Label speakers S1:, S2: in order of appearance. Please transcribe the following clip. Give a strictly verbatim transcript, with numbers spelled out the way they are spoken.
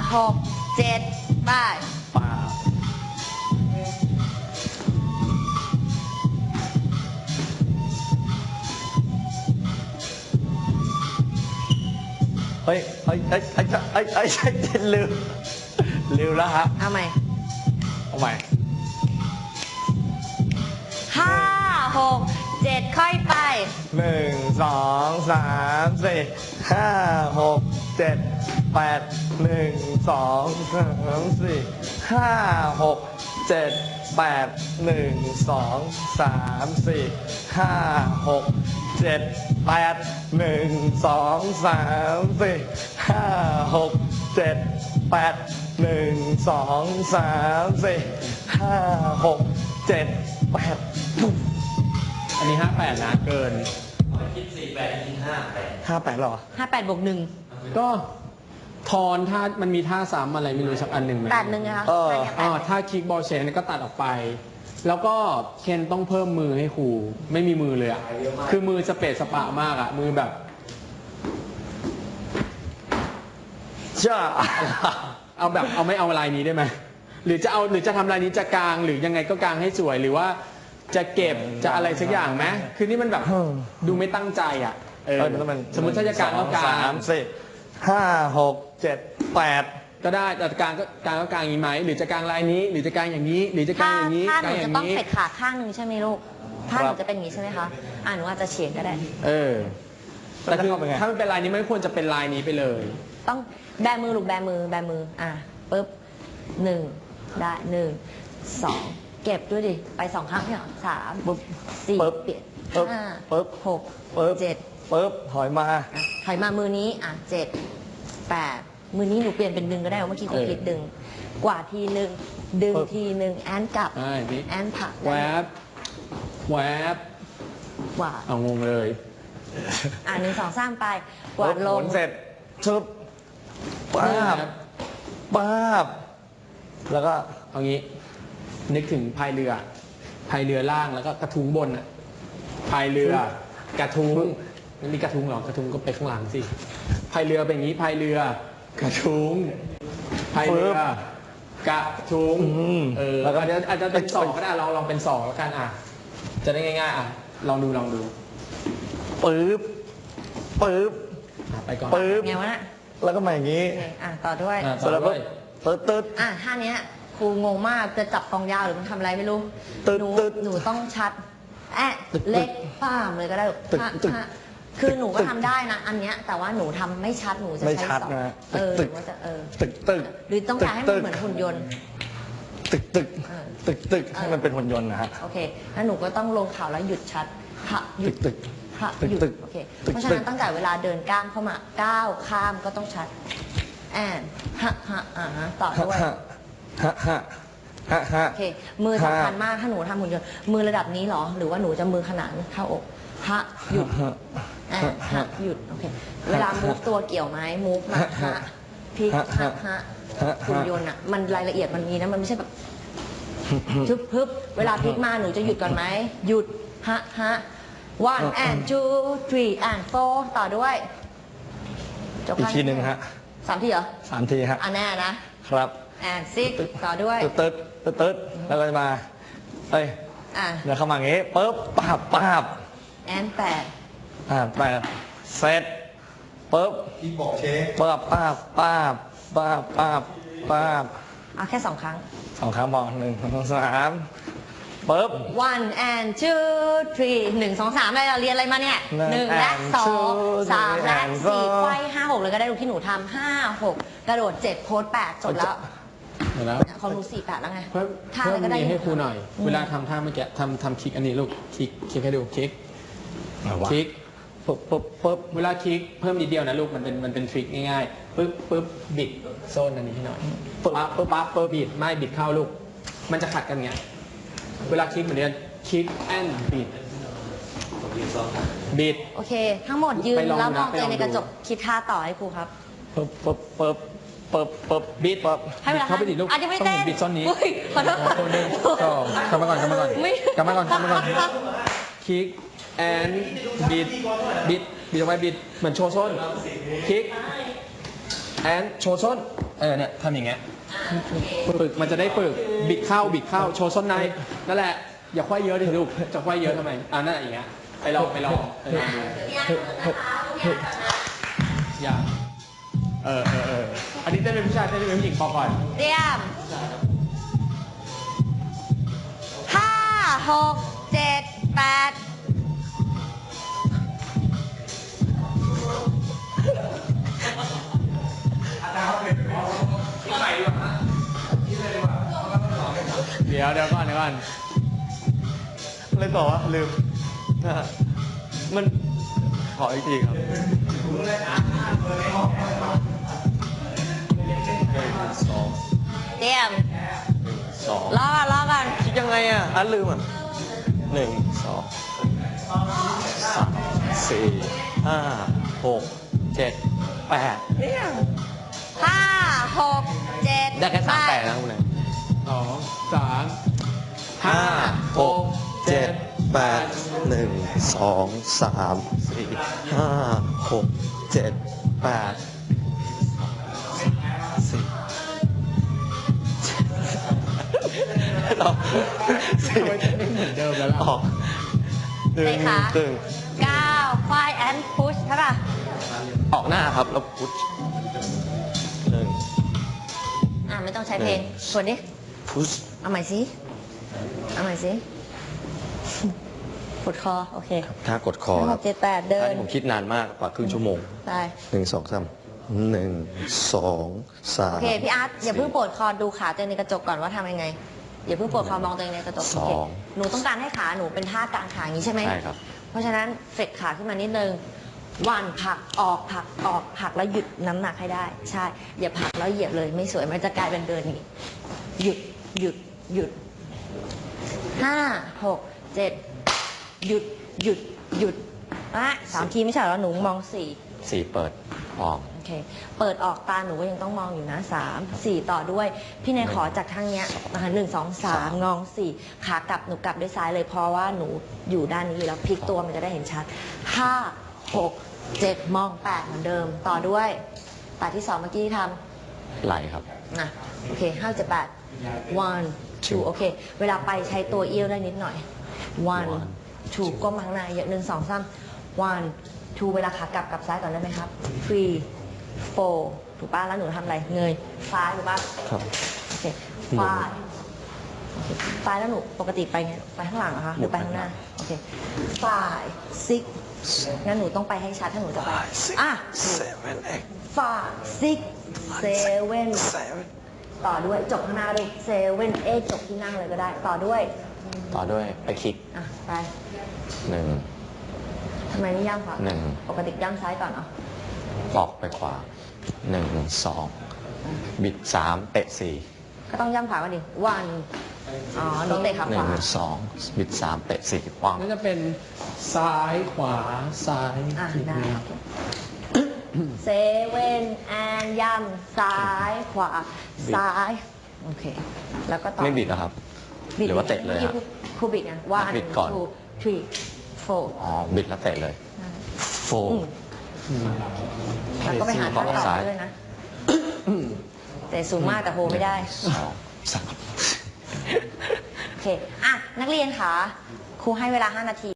S1: หกเจ็ดไป
S2: ป้าเฮ้ยเฮ้ยเฮ้ยเฮ้ยเฮ้ยเฮ้ยลืมลืมแล้วฮะ
S1: เอาใหม่
S2: เอาใหม่
S1: ห้าหกเจ็ดค่อยไป
S2: หนึ่งสองสามสี่ห้าหกเจ็ดแปดหนึ่งสองสามสี่ห้าหกเจ็ดแปดหนึ่งสองสามสี่ห้าหกเจ็ดแปดหนึ่งสองสามสี่ห้าหกเจ็ดแปดหนึ่งสองสามสี่ห้าหกเจ็ดแปด
S3: อันนี้ห้าแปดนะเกิน
S4: คิดสี่แปดคิดห้าแปด
S2: ห้าแปดหรอ
S1: ห้าแปดบวกหนึ่ง
S3: ก็ทอนท่ามันมีท่าซ้ำอะไรไม่รู้สักอันหนึ่งไหม
S1: แปดหนึ่งนะคะ
S2: เออ
S3: อ๋อท่าคิกบอลเชนก็ตัดออกไปแล้วก็เคนต้องเพิ่มมือให้ครูไม่มีมือเลยอ่ะคือมือสเปซสปะมากอ่ะมือแบบ
S2: จ้า
S3: เอาแบบเอาไม่เอาลายนี้ได้ไหมหรือจะเอาหรือจะทำลายนี้จะกลางหรือยังไงก็กลางให้สวยหรือว่าจะเก็บจะอะไรสักอย่างไหมคือนี่มันแบบดูไม่ตั้งใจอ่ะเออสมมติถ้าจะกลางก็กลาง
S2: สามสี่ห้าหกเจ็ดแปด
S3: ก็ได้แต่กลางก็กลางก็กลางอย่างนี้ไหมหรือจะกลางลายนี้หรือจะกลางอย่างนี้หรือจะกลางอย่างนี้
S1: ถ้าหนูจะต้องเสร็จขาข้างหนึ่งใช่ไหมลูกถ้าหนูจะเป็นอย่างนี้ใช่ไหมคะอ่าหนูอาจจะเฉียงก็ได้
S3: เออแต่คือถ้ามันเป็นลายนี้ไม่ควรจะเป็นลายนี้ไปเลย
S1: ต้องแบมือลูกแบมือแบมืออ่ะปึ๊บหนึ่งได้หนึ่งสองเก็บด้วยดิไปสองครั้งเนี่ยสามสี่เปลี่ยนห้า
S2: ปึ๊บ
S1: หกเจ็ด
S2: ปึ๊บถอยมา
S1: ถอยมามือนี้อ่ะเจ็ดแปดมือนี้หนูเปลี่ยนเป็นดึงก็ได้เมื่อกี้คุณคิดดึงกว่าทีหนึ่งดึงทีหนึ่งแอนกลับแอนผัก
S3: แวบแวบ
S1: กว่า
S3: เอางงเลย
S1: อ่ะหนึ่งสองสามไปกวาดลง
S2: เสร็จชึบป้าบป้าบแล้วก็
S3: เอางี้นึกถึงพายเรือพายเรือล่างแล้วก็กระทุ้งบนอ่ะพายเรือกระทุ้งนั่นมีกระทุ้งหรอกระทุ้งก็ไปข้างหลังสิพายเรือเป็นอย่างนี้พายเรือกระทุ้งพายเรือกระทุ้งเออแล้วก็อาจจะเป็นสองก็ได้ลองลองเป็นสองแล้วกันอ่ะจะได้ง่ายๆอ่ะลองดูลองดู
S2: ปึ๊บปึ๊บ
S3: ไปก่อน
S2: ปึ๊บ
S1: ไงวะน่ะ
S2: แล้วก็มาอย่างนี้
S1: อ่ะต่อด้วย
S3: ต่อด้วย
S2: ตึ๊ดตึ๊ด
S1: อ่ะท่านี้ครูงงมากจะจับกองยาวหรือมันทำอะไรไม่รู้หนูหนูต้องชัดแอะเล็กป้ามเลยก็ได้คือหนูก็ทำได้นะอันเนี้ยแต่ว่าหนูทำไม่ชัดหนูจะใช้สองเออหรือว่าจะเออ
S2: ตึกตึก
S1: หรือต้องการให้มันเหมือนหุ่นยนต์
S2: ตึกตึกตึกตึกให้มันเป็นหุ่นยนต์นะฮะ
S1: โอเคแล้วหนูก็ต้องลงเข่าแล้วหยุดชัดหะหยุด
S2: ตึก
S1: หะหยุดโอเคเพราะฉะนั้นตั้งแต่เวลาเดินก้าวเข้ามาก้าวข้ามก็ต้องชัดแอนฮะฮะอ่าต่อด้วย
S2: ฮะฮะฮะฮะ
S1: โอเคมือสำคัญมากถ้าหนูทำหุ่นยนต์มือระดับนี้หรอหรือว่าหนูจะมือขนานเข้าอกฮะหยุดแอนฮะหยุดโอเคเวลามูฟตัวเกี่ยวไหมมูฟมาฮะพลิกฮะฮะหุ่นยนต์อ่ะมันรายละเอียดมันมีนะมันไม่ใช่แบบทึบพึบเวลาพลิกมาหนูจะหยุดก่อนไหมหยุดฮะฮะ one and two three and four ต่อด้วย
S2: อีกทีหนึ่งฮะ
S1: สามทีเหรอ
S2: สามทีฮะ
S1: อันแน่นะครับ and six ต่อด้วย
S2: ตึ๊ดตึ๊ดตึ๊ดแล้วก็จะมาเอ้ยเดี๋ยวเข้ามาอย่างงี้ปึ๊บป้าบป้าบ
S1: and แปด
S2: อ่าแปดเสร็จปึ๊บ
S4: ที่บอกเชฟ
S2: ป้าบป้าบป้าบป้าบป้าบป้าบ
S1: เอาแค่สองครั้ง
S2: สองครั้งพอหนึ่งสองสามปึ๊บ
S1: one and two three หนึ่งสองสามอะไรเราเรียนอะไรมาเนี่ยหนึ่งและสองสามและสี่ไขว้ห้าหกเลยก็ได้ดูที่หนูทำห้าหกกระโดดเจ็ดโพสแปดจบแล้ว
S3: แล้ว
S1: ของหนูสี่แปดแล้วไง
S3: เพิ่มเพิ่มนี้ให้ครูหน่อยเวลาทำท่าเมื่อกี้ทำทำคลิกอันนี้ลูกคลิกคลิกให้ดูคลิกคลิก
S2: ปึ๊บปึ๊บปึ๊บ
S3: เวลาคลิกเพิ่มนิดเดียวนะลูกมันเป็นมันเป็นทริคง่ายๆปึ๊บปึ๊บบิดโซนอันนี้ให้หน่อยปึ๊บปึ๊บปั๊บปึ๊บบิดไม่บิดเข้าลูกมันจะขัดกันไงเวลาคลิกเหมือนเดิมคลิกแอนบิดบิด
S1: โอเคทั้งหมดยืนแล้วมองตัวในกระจกคิดท่าต่อให้ครูครับ
S2: ปึ๊บปึ๊บปึ๊บปึ๊บปึ๊บ
S3: บิดปึ๊บเข้าไปดิลูก
S1: อาจจะไม่เต้น
S3: บิดซ้อนนี้
S1: ขอโทษ
S3: คนหนึ่งก็กลับมาก่อนกลับมาก่อนกลับมาก่อนกลับมาก่อนคลิกแอนบิดบิดบิดออกไปบิดเหมือนโชว์ส้นคลิกแอนโชว์ส้น
S2: เออเนี่ยทำอย่างเงี้ย
S3: ปึกมันจะได้ปึกบิดเข้าบิดเข้าโชว์ส้นในนั่นแหละอย่าควายเยอะดิลูกจะควายเยอะทำไมอ่านั่นอย่างเงี้ยไปลองไปลองไปลองดูอย่าเออเออเอออันนี้เต้นเป็นผู้ชายเต้นเป็นผู้หญิงพอก่อน
S1: เตรียมห้าหกเจ็ดแปด
S3: เดี๋ยวเดี๋ยวก่อนเดี๋ยวก่อน
S2: อะไรต่อวะลืมอ่ะมันขออีกทีครับหนึ่งสอง
S1: เตรียม
S2: สอง
S1: รอก่อนรอก่อน
S2: คิดยังไงอ่ะอ่ะลืมอ่ะหนึ่งสองสามสี่ห้าหกเจ็ดแปดเนี่ย
S1: ห้าหกเจ็ด
S2: ได้แค่สามแปดนะคุณนาย
S3: สองสาม
S2: ห้าหกเจ็ดแปดหนึ่งสองสามสี่ห้าหกเจ็ดแปดสี่ต่อสี่
S3: ทำไมจะไม่เหมือนเดิมแล้วล่ะ
S2: ออกหนึ่งตึง
S1: เก้าควายแอนพุชใช่ป่ะ
S2: ออกหน้าครับแล้วพุชหนึ่ง
S1: อ่ะไม่ต้องใช้เพลงกดดิ
S2: พุช
S1: เอาใหม่สิเอาใหม่สิปวดคอโอเค
S2: ถ้ากดคอ
S1: ห้า
S2: ค
S1: ห
S2: รับ
S1: กเจ็ดแปดเดิ
S2: อัน
S1: น
S2: นี้ผมคิดนานมากกว่าครึ่งชั่วโมง
S1: ไป
S2: หนึ่งสองสามหนึ่งสองสาม
S1: โอเคพี่อาร์ตอย่าเพิ่งปวดคอดูขาตัวเองในกระจกก่อนว่าทำยังไงอย่าเพิ่งปวดคอมองตัวเองในกระจก
S2: ส
S1: โอ
S2: อ
S1: เค
S2: ง
S1: หนูต้องการให้ขาหนูเป็นท่ากางขาอย่างนี้ใช่ไหม
S2: ใช่ครับ
S1: เพราะฉะนั้นเฟดขาขึ้นมานิดนึงวันผลักออกผลักออกผลักแล้วหยุดน้ำหนักให้ได้ ใช่ อย่าผลักแล้วเหยียบเลยไม่สวยมันจะกลายเป็นเดินอย่างนี้หยุดหยุดหยุดห้าหกเจ็ดหยุดหยุดหยุดอ่ะสามทีไม่ใช่เหรอหนูมองสี่
S2: สี่เปิดออก
S1: โอเค เปิดออกตาหนูก็ยังต้องมองอยู่นะสามสี่ต่อด้วย พี่เนยขอจากทางเนี้ยนะคะหนึ่งสองสามงองสี่ขากลับหนูกลับด้วยซ้ายเลยเพราะว่าหนูอยู่ด้านนี้อยู่แล้วพลิกตัวมันจะได้เห็นชัดห้าหกเจ็ดมองแปดเหมือนเดิม ต่อด้วยตาที่สองเมื่อกี้ที่ท
S2: ไหลครับ
S1: ำนะโอเคห้าเจ็ดแปด one two โอเค เวลาไปใช้ตัวเอี้ยวได้นิดหน่อย one two ก้มมาข้างในเยอะหนึ่งสองสาม one two เวลาขากลับกลับซ้ายก่อนได้ไหมครับ three four ถูกป่ะแล้วหนูทำอะไรเงยซ้ายถูกป่ะ
S2: ครับ
S1: โอเค five โอเค five แล้วหนูปกติไปไงไปข้างหลังเหรอคะหรือไปข้างหน้าโอเค five six งั้นหนูต้องไปให้ชัดถ้าหนูจะไปอ่ะ
S2: seven eight
S1: five six seven
S2: seven
S1: ต่อด้วยจบข้างหน้าด้วย seven eight จบที่นั่งเลยก็ได้ ต่อด้วย
S2: ต่อด้วยไปคลิก
S1: อ่ะไป
S2: หนึ่ง
S1: ทำไมไม่ย่ำขวา
S2: หนึ่ง
S1: ปกติย่ำซ้ายก่อนเหรอ
S2: ออกไปขวาหนึ่งสองบิดสามเตะสี่
S1: ก็ต้องย่ำขวาก่อนดิ one อ๋อหนูเตะขา
S2: ห
S1: ข
S2: นึ่
S1: วา
S2: งสองบิดสามเตะสี่ปัง
S3: นั่นจะเป็นซ้ายขวาซ้าย
S1: อ่ะ
S3: ที
S1: ได้
S3: นี้
S1: เซเว่นแอนย่ำซ้ายขวา ซ้าย โอเค แล้วก็ต่อ
S2: ไม่บิดนะครับ หรือว่าเตะเลยฮะ
S1: ครูบิดไง one
S2: บิดก่อน
S1: two three four
S2: อ๋อบิดแล้วเตะเลยโฟ
S1: อืมแล้วก็ไปหาท่าต่อด้วยนะ แต่สูงมากแต่โฮไม่ได้
S2: สองสาม
S1: โอเค อ่ะ นักเรียนคะครูให้เวลาห้านาที